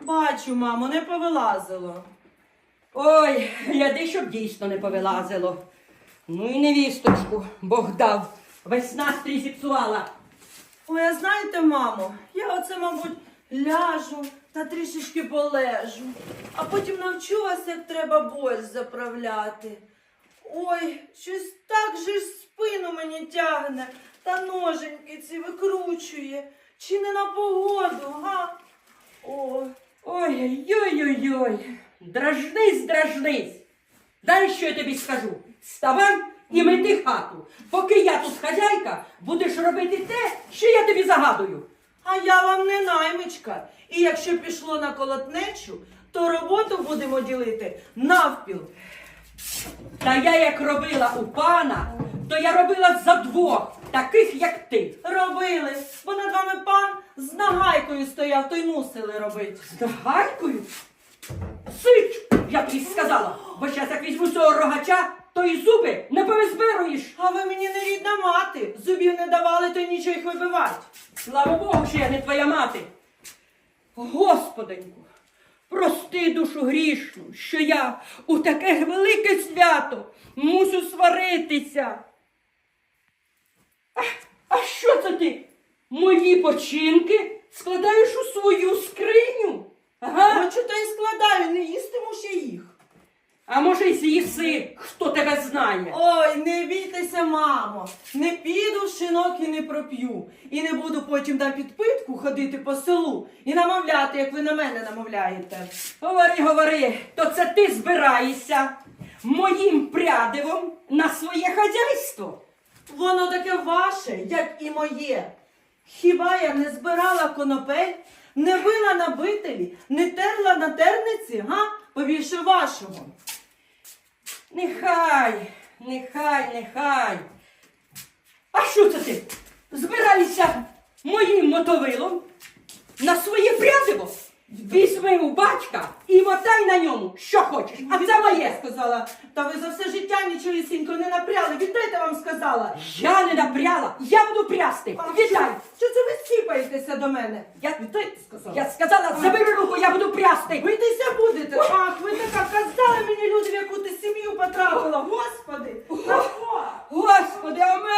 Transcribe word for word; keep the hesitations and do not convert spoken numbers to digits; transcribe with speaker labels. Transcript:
Speaker 1: Бачу, мамо, не повилазило.
Speaker 2: Ой, гляди, щоб дійсно не повилазило. Ну і невісточку Бог дав. Весь настрій зіпсувала.
Speaker 1: Ой, а знаєте, мамо, я оце, мабуть, ляжу та трішечки полежу, а потім навчу вас, як треба борщ заправляти. Ой, щось так же ж спину мені тягне, та ноженьки ці викручує. Чи не на погоду, га? Ой.
Speaker 2: Ой-ой-ой-ой. Дражнись, дражнись. Далі що я тобі скажу? Вставай і мети хату. Поки я тут хазяйка, будеш робити те, що я тобі загадую.
Speaker 1: А я вам не наймичка. І якщо пішло на колотнечу, то роботу будемо ділити навпіл.
Speaker 2: Та я як робила у пана, то я робила за двох, таких як ти.
Speaker 1: Робили, бо над вами пан з нагайкою стояв, то й мусили робити.
Speaker 2: З нагайкою? Сич, я тобі сказала, бо щас як візьму цього рогача, то і зуби не повизбируєш.
Speaker 1: А ви мені не рідна мати. Зубів не давали, то й нічого їх вибивати.
Speaker 2: Слава Богу, що я не твоя мати. Господеньку, прости душу грішну, що я у таке велике свято мусю сваритися. А, а що це ти? Мої починки складаєш у свою скриню? Ага.
Speaker 1: Хочу, то й складаю, не їстиму ще їх.
Speaker 2: А може й з'їси, хто тебе знає?
Speaker 1: Ой, не бійтеся, мамо. Не піду в шинок і не проп'ю. І не буду потім на підпитку ходити по селу і намовляти, як ви на мене намовляєте.
Speaker 2: Говори, говори, то це ти збираєшся моїм прядивом на своє хазяйство?
Speaker 1: Воно таке ваше, як і моє. Хіба я не збирала конопель, не била на бителі, не терла на терниці, га? Побільше вашого.
Speaker 2: Нехай, нехай, нехай. А що це ти? Збираєшся моїм мотовилом на своє прядиво? Візьми у батька і мотай на ньому, що хочеш. А це моє.
Speaker 1: Сказала, та ви за все життя нічогісінько не напряли. Віддайте, вам сказала.
Speaker 2: Я не напряла, я буду прясти.
Speaker 1: А
Speaker 2: Віддай.
Speaker 1: Що це ви сіпаєтеся до мене?
Speaker 2: Я,
Speaker 1: Віддайте, сказала.
Speaker 2: я сказала, забери руку, я буду прясти.
Speaker 1: Бийтеся будете. Ах, ви така казали мені, люди, в яку ти сім'ю потрапила. Господи, на що?
Speaker 2: Господи, а в